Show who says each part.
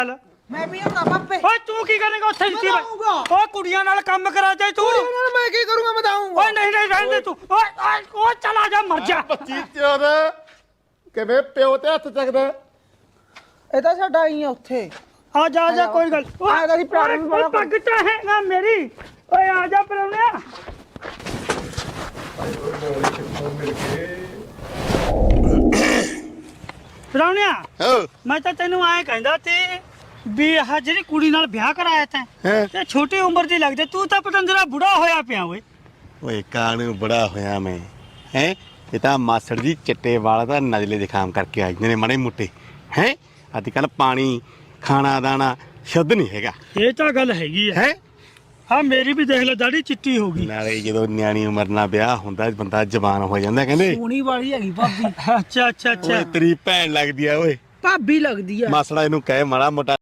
Speaker 1: ਮੈਂ ਵੀ ਆਉਂਦਾ ਪਾਪੇ।
Speaker 2: ਓਏ ਤੂੰ ਕੀ ਕਰੇਂਗਾ ਉੱਥੇ ਜਿੱਤੀ ਓਏ ਕੁੜੀਆਂ ਨਾਲ ਕੰਮ ਕਰਾ ਜਾਏ ਤੂੰ।
Speaker 1: ਮੈਂ ਕੀ ਕਰੂੰਗਾ ਮੈਂ ਦਊਂਗਾ।
Speaker 2: ਓਏ ਨਹੀਂ ਰਹਿਣ ਦੇ ਤੂੰ। ਓਏ ਚਲਾ ਜਾ ਮਰ ਜਾ।
Speaker 3: ਬੱਚੀ ਚੋਦ ਕਿਵੇਂ ਪਿਓ ਤੇ ਹੱਥ ਚੱਕਦਾ।
Speaker 1: ਇਹ ਤਾਂ ਸਾਡਾ ਹੀ ਆ ਉੱਥੇ।
Speaker 2: ਆ ਜਾ ਕੋਈ ਗੱਲ।
Speaker 1: ਆ ਜਾ ਜੀ ਪਿਆਰ ਨੂੰ ਬੜਾ
Speaker 2: ਪੱਗ ਤਾਂ ਹੈਗਾ ਮੇਰੀ। ਓਏ ਆ ਜਾ ਪਰੌਣਿਆ। ਪਰੌਣਿਆ ਮੈਂ ਤਾਂ ਤੈਨੂੰ ਐਂ ਕਹਿੰਦਾ ਤੇ ਵੀ ਆਹ ਜਿਹੜੀ ਕੁੜੀ ਨਾਲ ਵਿਆਹ ਕਰਾਇਆ ਤੈਂ ਤੇ ਛੋਟੀ ਉਮਰ ਦੀ ਲੱਗਦੇ ਤੂੰ ਤਾਂ ਪਤੰਦਰਾ ਬੁੜਾ ਹੋਇਆ ਪਿਆ ਓਏ।
Speaker 3: ਓਏ ਕਾਹਨੂੰ ਬੜਾ ਹੋਇਆ ਮੈਂ ਹੈ। ਇਹ ਤਾਂ ਮਾਸੜ ਜੀ ਚਿੱਟੇ ਵਾਲਾ ਤਾਂ ਨਜ਼ਲੇ ਦੇ ਖਾਮ ਕਰਕੇ ਆਏ ਨੇ ਮਾੜੇ ਮੋਟੇ ਹੈ। ਅੱਜ ਕੱਲ ਪਾਣੀ ਖਾਣਾ ਦਾਣਾ ਸ਼ੁੱਧ ਨਹੀਂ ਹੈਗਾ।
Speaker 2: ਇਹ ਤਾਂ ਗੱਲ ਹੈਗੀ ਆ।
Speaker 3: ਹੈ
Speaker 2: ਹਾਂ ਮੇਰੀ ਵੀ ਦੇਖ ਲੈ ਦਾੜੀ ਚਿੱਟੀ ਹੋ ਗਈ।
Speaker 3: ਨਾਲੇ ਜਦੋਂ ਨਿਆਣੀ ਉਮਰ ਨਾਲ ਵਿਆਹ ਹੁੰਦਾ ਬੰਦਾ ਜਵਾਨ ਹੋ ਜਾਂਦਾ ਕਹਿੰਦੇ।
Speaker 1: ਸੋਹਣੀ ਵਾਲੀ ਹੈਗੀ ਭਾਬੀ।
Speaker 2: ਅੱਛਾ
Speaker 3: ਓਏ ਤੇਰੀ ਭੈਣ ਲੱਗਦੀ ਆ ਓਏ।
Speaker 1: ਭਾਬੀ ਲੱਗਦੀ ਆ।
Speaker 3: ਮਾਸੜਾ ਇਹਨੂੰ ਕਹੇ ਮਾੜਾ ਮੋਟਾ